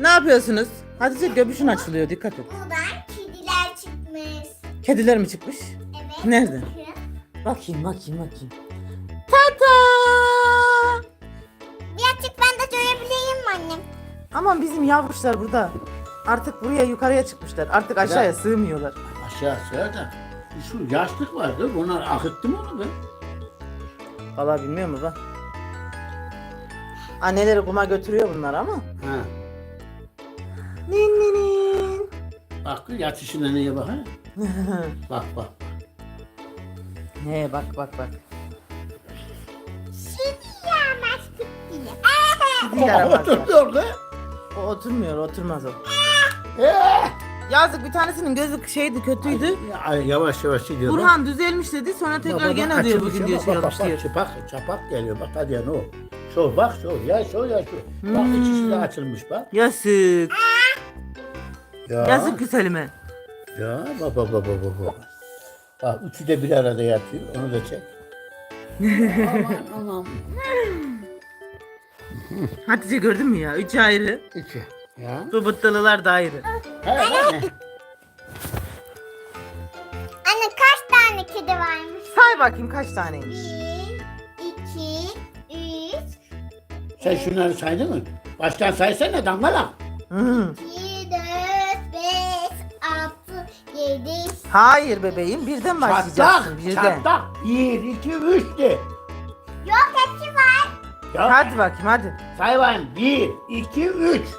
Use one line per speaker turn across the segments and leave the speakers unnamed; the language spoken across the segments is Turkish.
Ne yapıyorsunuz? Hatice göbüşün açılıyor, dikkat et.
Buradan kediler çıkmış.
Kediler mi çıkmış?
Evet.
Nerede?
bakın.
Bakayım. Tata!
Birazcık ben de görebileyim mi annem?
Aman bizim yavruşlar burada. Artık buraya yukarıya çıkmışlar. Artık aşağıya sığmıyorlar.
Aşağı da şu yaşlık vardı. Onlar akıttı mı onu be?
Vallahi bilmiyorum baba. Anneleri kuma götürüyor bunlar ama.
Ha.
Nin.
Bak yatışına neye bak ha? Bak.
Ne bak.
Şimdi yağmazlık diye.
Gidiler ama.
Oturdu orada.
O oturmaz o.
Ee!
Yazık, bir tanesinin gözü kötüydü.
Yavaş gidiyor.
Burhan düzelmiş dedi, sonra tekrar gene diyor bugün diyor şey olmuş diyor.
Çapak geliyor bak hadi ya ne o. Şu bak şu. Bak içisi de açılmış bak.
Yazık.
Ya.
Yazık güzelime.
Ya baba. Bak üçü de bir arada yatıyor. Onu da çek. aman.
Hatice gördün mü ya? Üç ayrı.
İki. Ya.
Bu bıttalılar da ayrı.
Anne kaç tane kedi varmış?
Say bakayım kaç taneymiş.
1, 2, 3,
Sen şunları saydın mı? Baştan saysana dangalak.
Hı.
2, 4, 5, 6, 7.
Hayır bebeğim, birden başlayacaksın. Birden.
Çatlak. 1, 2, 3 de.
Yok hepsi var.
Ya,
Hadi bakayım hadi.
say bakayım. 1, 2, 3.
1, 2,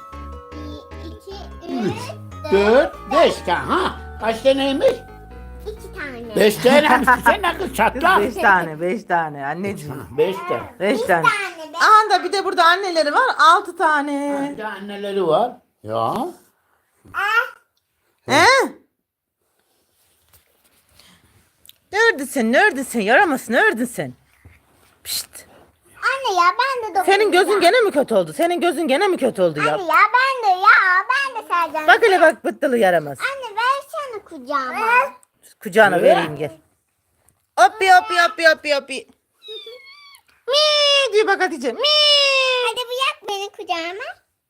3,
4, 5 tane. Ha? Kaç taneymiş?
2 tane.
5 tane. Sen ne kız
Kız
çatlak?
5 tane anneciğim.
5 tane.
5 tane.
tane.
Aha da bir de burada anneleri var, 6 tane.
Bir de anneleri var. Ya.
He? Neredesin? Yaramazsın, neredesin? Pişt.
Anne ya ben de
Senin gözün gene mi kötü oldu? ya?
Anne ya ben de Sercan.
Bak hele bak, bıttılı yaramaz.
Anne versene kucağıma.
Kucağına vereyim gel. Hoppi. Mi diyor bak Hatice. Mi.
Hadi bırak beni kucağıma.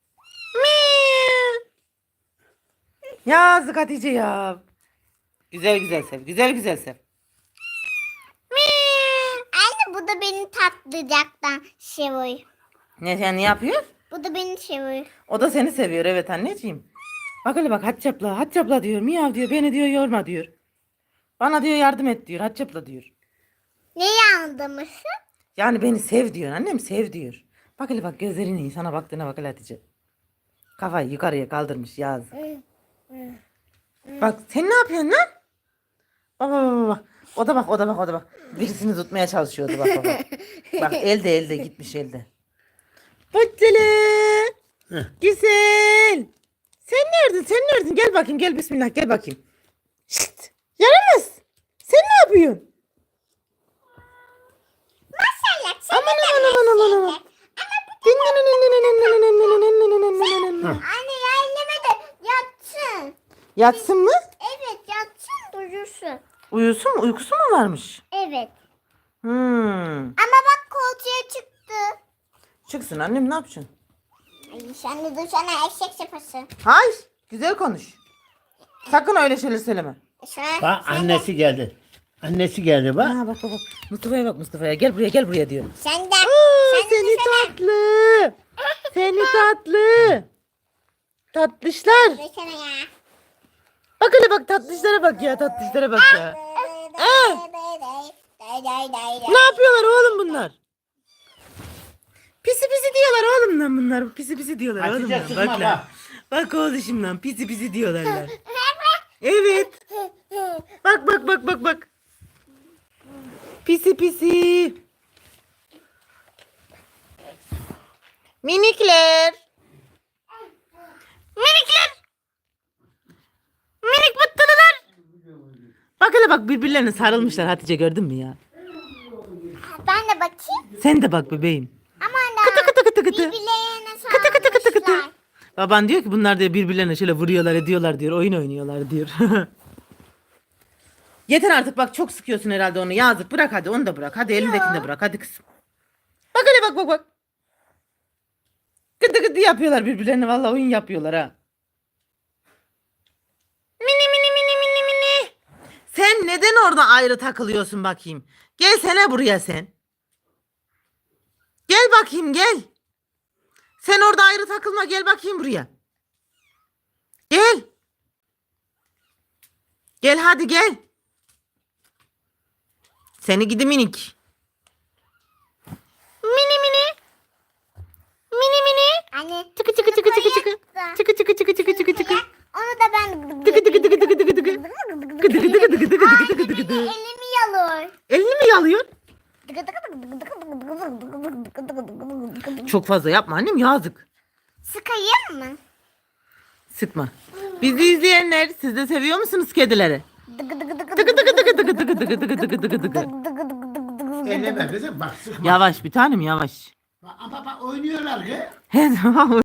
Mi. Yazık Hatice ya. Güzel sev.
Anne bu da beni tatlıcaktan seviyor.
Ne sen ne yapıyor?
Bu da beni seviyor.
O da seni seviyor, evet anneciğim. Bak hele bak, Hatice abla diyor, miyav diyor, beni diyor yorma diyor. Bana diyor yardım et diyor, Hatice abla diyor.
Neyi anlamışsın?
Yani beni sev diyor annem, sev diyor. Bak hele bak, gözlerine sana baktığına bak hele Hatice. Kafayı yukarıya kaldırmış yaz. Bak sen ne yapıyorsun lan? Bak. O da bak. Birisini tutmaya çalışıyordu bak. Bak elde gitmiş elde. Bıcılı. Güzel. Sen neredesin? Gel bakayım, gel bismillah, gel bakayım. Şşt. Yaramaz. Sen ne yapıyorsun?
Maşallah.
Aman.
Anne ya elleme de yatsın.
Yatsın mı?
Evet yatsın durursun.
Uyusun mu? Uykusu mu varmış?
Evet.
Ama
bak koltuğa çıktı.
çıksın annem, ne yapacaksın?
Ay sen de dursana eşek sepası.
Hayır. Güzel konuş. Sakın öyle şeyler söyleme.
Bak annesi geldi. Annesi geldi bak.
Ha bak. Mustafa'ya. Gel buraya diyor.
Sen de.
Seni tatlı. Seni tatlı. Tatlışlar.
Dursana ya.
Bak hele bak, tatlışlara bak ya. Ne yapıyorlar oğlum bunlar? Pisi diyorlar oğlum lan bunlar. Pisi diyorlar oğlum
Hatice
lan.
sıkma
Bak lan.
bak.
Bak oğlum lan, pisi diyorlar lan. Evet. Bak. Pisi. Minikler. Minik bıttılılar. Bak hele bak, birbirlerine sarılmışlar Hatice, gördün mü ya?
Ben de bakayım.
Sen de bak bebeğim.
Aman da.
Kıtı.
Birbirlerine
Kıtı.
sarılmışlar.
Baban diyor ki bunlar diyor birbirlerine şöyle vuruyorlar ediyorlar diyor. Oyun oynuyorlar diyor. Yeter artık bak, çok sıkıyorsun herhalde onu. Yazık, bırak hadi, onu da bırak. Hadi elindekini de bırak hadi kızım. Bak hele bak. Gıdı gıdı yapıyorlar birbirlerine. Vallahi oyun yapıyorlar ha. Mini mini mini mini mini. Sen neden orada ayrı takılıyorsun bakayım? Gelsene buraya sen. Gel bakayım gel. Sen orada ayrı takılma gel bakayım buraya. Gel. Gel hadi gel. Seni gidi minik. Mini mini. Mini mini.
Anne.
Çıkı çıkı çıkı çıkı çıkı. Çıkı çıkı çıkı çıkı çıkı çıkı.
Onu da ben
Tıkı tıkı tıkı tıkı tıkı tıkı. Gıdı gıdı gıdı gıdı gıdı gıdı gıdı gıdı.
elimi yalıyor.
Elini mi yalıyor? Çok fazla yapma annem yazık.
Sıkayım mı?
Sıkma. Bizi izleyenler siz de seviyor musunuz kedileri? Tıkı tıkı tıkı tıkı tıkı tıkı tıkı tıkı tıkı tıkı tıkı.
Elleme kızım bak sıkma.
Yavaş bir tanem yavaş.
Bak, bak oynuyorlar ki.
Her zaman